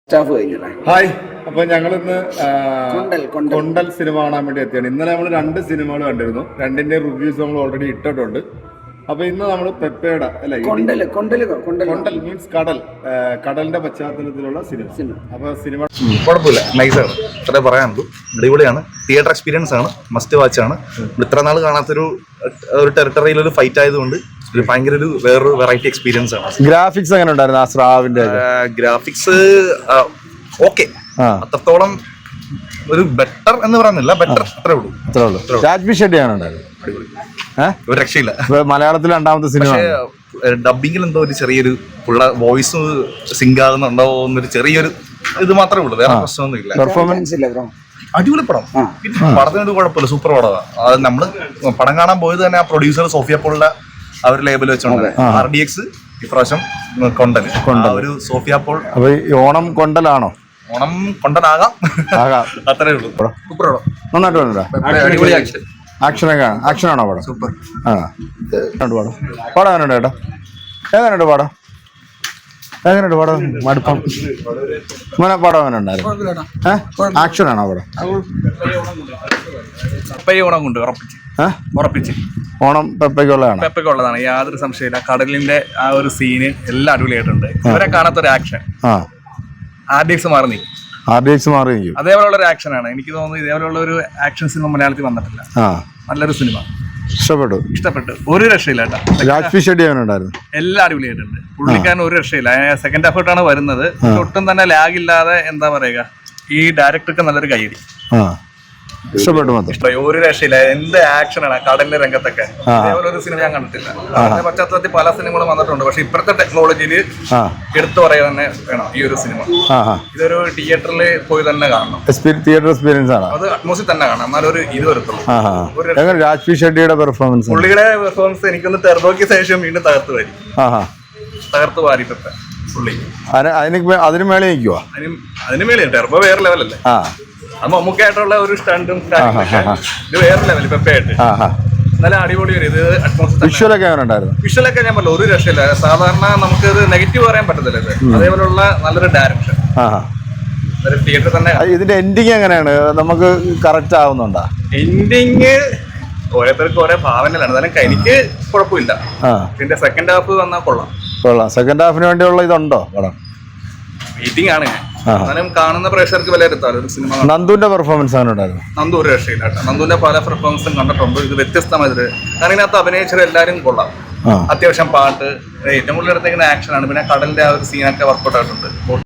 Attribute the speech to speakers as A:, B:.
A: Hi, അപ്പൊ ഞങ്ങൾ ഇന്ന് കൊണ്ടൽ സിനിമ കാണാൻ വേണ്ടി എത്തിയാണ്. ഇന്നലെ നമ്മൾ 2 സിനിമകൾ കണ്ടിരുന്നു. രണ്ടിന്റെ റിവ്യൂസ് നമ്മൾ ഓൾറെഡി ഇട്ടിട്ടുണ്ട്. അപ്പൊ ഇന്ന് നമ്മൾ പെപ്പയുടെ കൊണ്ടൽ മീൻസ് കടലിന്റെ പശ്ചാത്തലത്തിലുള്ള സിനിമ. അപ്പൊ സിനിമ
B: കുഴപ്പമില്ല, നൈസാണ്, അത്രേ പറയാനുള്ളൂ. അടിപൊളിയാണ്, തിയേറ്റർ എക്സ്പീരിയൻസ് ആണ്, മസ്റ്റ് വാച്ച് ആണ്. ഇത്ര നാൾ കാണാത്തൊരു ടെറിട്ടറിയിൽ ഒരു ഫൈറ്റ് ആയതുകൊണ്ട് ഭയങ്കര വേറൊരു വെറൈറ്റി എക്സ്പീരിയൻസ് ആണ്.
A: ഗ്രാഫിക്സ് എങ്ങനെ ഉണ്ടായിരുന്നു? ആ സ്രാവിന്റെ
B: ഗ്രാഫിക്സ് ഓക്കെ, അത്രത്തോളം ഒരു ബെറ്റർ എന്ന് പറയുന്നില്ല, ബെറ്റർ അത്രേ ഉള്ളൂ.
A: രാജ്ബി ഷെട്ടിയാണ് ഉണ്ടായിരുന്നു.
B: ഒരു രക്ഷയില്ല.
A: മലയാളത്തിൽ രണ്ടാമത്തെ സിനിമ.
B: ഡബിങ്ങിൽ എന്തോ ഒരു ചെറിയൊരു പുള്ള വോയിസ് സിങ്ക് ആകുന്നുണ്ടോ എന്നൊരു ചെറിയൊരു ഇത് മാത്രമേ ഉള്ളൂ, വേറെ പ്രശ്നമൊന്നുമില്ല.
A: പെർഫോമൻസ്
B: അടിപൊളി പടം, പടത്തിന് ഇത് കുഴപ്പമില്ല, സൂപ്പർ പടമാണ്. അത് നമ്മള് പടം കാണാൻ പോയത് തന്നെ ആ പ്രൊഡ്യൂസർ സോഫിയ പോളിന്റെ ആ ഒരു ലേബൽ വെച്ചോണ്ട് RDX ഇപ്രാവശ്യം കൊണ്ടൽ ഒരു സോഫിയ പോൾ.
A: അപ്പൊ ഓണം കൊണ്ടലാണോ?
B: ഓണം കൊണ്ടനാകാം, അത്രേ ഉള്ളൂ. സൂപ്പർ പടം,
A: നന്നായിട്ട് വന്നിട്ടാ.
B: അടിപൊളി ആക്ഷൻ.
A: ആക്ഷനാണോ പടം?
B: സൂപ്പർ.
A: പടം എങ്ങനെയുണ്ട് ചേട്ടാ? എങ്ങനെയുണ്ട് പടം? മടുപ്പം മോനെ, പടം എങ്ങനെ ഉണ്ടായിരുന്നു? ആക്ഷനാണോ പടം?
B: ഓണം കൊണ്ട് ഉറപ്പിച്ച്
A: ഓണം
B: പെപ്പയ്ക്കുള്ളതാണ്, യാതൊരു സംശയമില്ല. കടലിന്റെ ആ ഒരു സീന് എല്ലാം അടിപൊളിയായിട്ടുണ്ട്. ഇവരെ കാണാത്തൊരു ആക്ഷൻ. RDX മാറി അതേപോലുള്ള ഒരു ആക്ഷൻ ആണ്. എനിക്ക് തോന്നുന്നു ഇതേപോലുള്ള ഒരു ആക്ഷൻ സിനിമ മലയാളത്തിൽ വന്നിട്ടില്ല. നല്ലൊരു സിനിമ, ഇഷ്ടപ്പെട്ടു. ഒരു രക്ഷയില്ല കേട്ടോ.
A: രാജ്ബി ഷെട്ടി ഉണ്ടായിരുന്നു,
B: എല്ലാം അടിപൊളിയായിട്ടുണ്ട്. പുള്ളിക്കാരൻ ഒരു രക്ഷയില്ല. സെക്കൻഡ് എഫേർട്ടാണ് വരുന്നത്, ഒട്ടും തന്നെ ലാഗ് ഇല്ലാതെ. എന്താ പറയുക, ഈ ഡയറക്ടർക്ക് നല്ലൊരു കൈയടി.
A: ഇഷ്ടപ്പെട്ടു.
B: ഒരു രക്ഷയില്ല, എന്ത് ആക്ഷനാണ് കടലിന്റെ രംഗത്തൊക്കെ. അതേപോലെ ഒരു സിനിമ ഞാൻ കണ്ടിട്ടില്ല. അതിന്റെ പശ്ചാത്തലത്തിൽ പല സിനിമകളും വന്നിട്ടുണ്ട്, പക്ഷെ ഇപ്പോഴത്തെ ടെക്നോളജിയിൽ എടുത്തു പറയാൻ തന്നെ വേണം ഈ ഒരു സിനിമ. ഇതൊരു തിയേറ്ററിൽ പോയി തന്നെ കാണണം,
A: തിയേറ്റർ എക്സ്പീരിയൻസ് ആണ്.
B: അത് അറ്റ്മോസിൽ തന്നെ കാണാം, എന്നാലൊരു ഇത് വരത്തുള്ളൂ.
A: രാജ്ബി ഷെട്ടിയുടെ പെർഫോമൻസ്,
B: പുള്ളിയുടെ പെർഫോമൻസ് എനിക്കൊന്ന് ടെർബോയ്ക്ക് ശേഷം വീണ്ടും തകർത്ത് വാരി പുള്ളി.
A: അതിന് മേലെ നിൽക്കുവാ,
B: അതിന് മേലെ ടെർബോ വേറെ ലെവലല്ലേ. അത് മമ്മൂക്കായിട്ടുള്ള ഒരു സ്റ്റണ്ടും ഇത് വേറെ ലെവൽ പെപ്പയായിട്ട്. നല്ല അടിപൊളി ഒരു ഇത് അറ്റ്മോസ്ഫിയർ. വിഷ്വലൊക്കെ ഞാൻ പറഞ്ഞു, ഒരു രക്ഷയില്ല. സാധാരണ നമുക്ക് ഇത് നെഗറ്റീവ് പറയാൻ പറ്റത്തില്ല. അതേപോലുള്ള നല്ലൊരു ഡയറക്ഷൻ, തിയേറ്റർ തന്നെ.
A: ഇതിന്റെ എൻഡിങ് എങ്ങനെയാണ്? നമുക്ക് കറക്റ്റ് ആവുന്നുണ്ടോ?
B: എൻഡിങ് ഓരോരുത്തർക്ക് ഓരോ ഭാവനയിലാണ്. എന്നാലും എനിക്ക് കുഴപ്പമില്ല. ഇതിന്റെ സെക്കൻഡ് ഹാഫ് വന്നാൽ കൊള്ളാം.
A: സെക്കൻഡ് ഹാഫിന് വേണ്ടിയുള്ള ഇതുണ്ടോ പടം?
B: വെയിറ്റിംഗ് ആണ് ഞാൻ. എന്നാലും കാണുന്ന പ്രേക്ഷകർക്ക് വിലയിരുത്താലോ ഒരു സിനിമ.
A: നന്ദുവിന്റെ പെർഫോമൻസ് ഉണ്ടായിരുന്നു.
B: നന്ദു ഒരു രക്ഷയില്ല. നന്ദുവിന്റെ പല പെർഫോമൻസും കണ്ടിട്ടുണ്ട്. ഇത് വ്യത്യസ്തമായത്. കാരണം ഇതിനകത്ത് അഭിനയിച്ചത് എല്ലാവരും കൊള്ളാം. അത്യാവശ്യം പാട്ട്, ഏറ്റവും കൂടുതൽ എടുത്തേക്കുന്ന ആക്ഷനാണ്. പിന്നെ കടലിന്റെ ആ ഒരു സീനൊക്കെ വർക്കൗട്ട് ആയിട്ടുണ്ട്.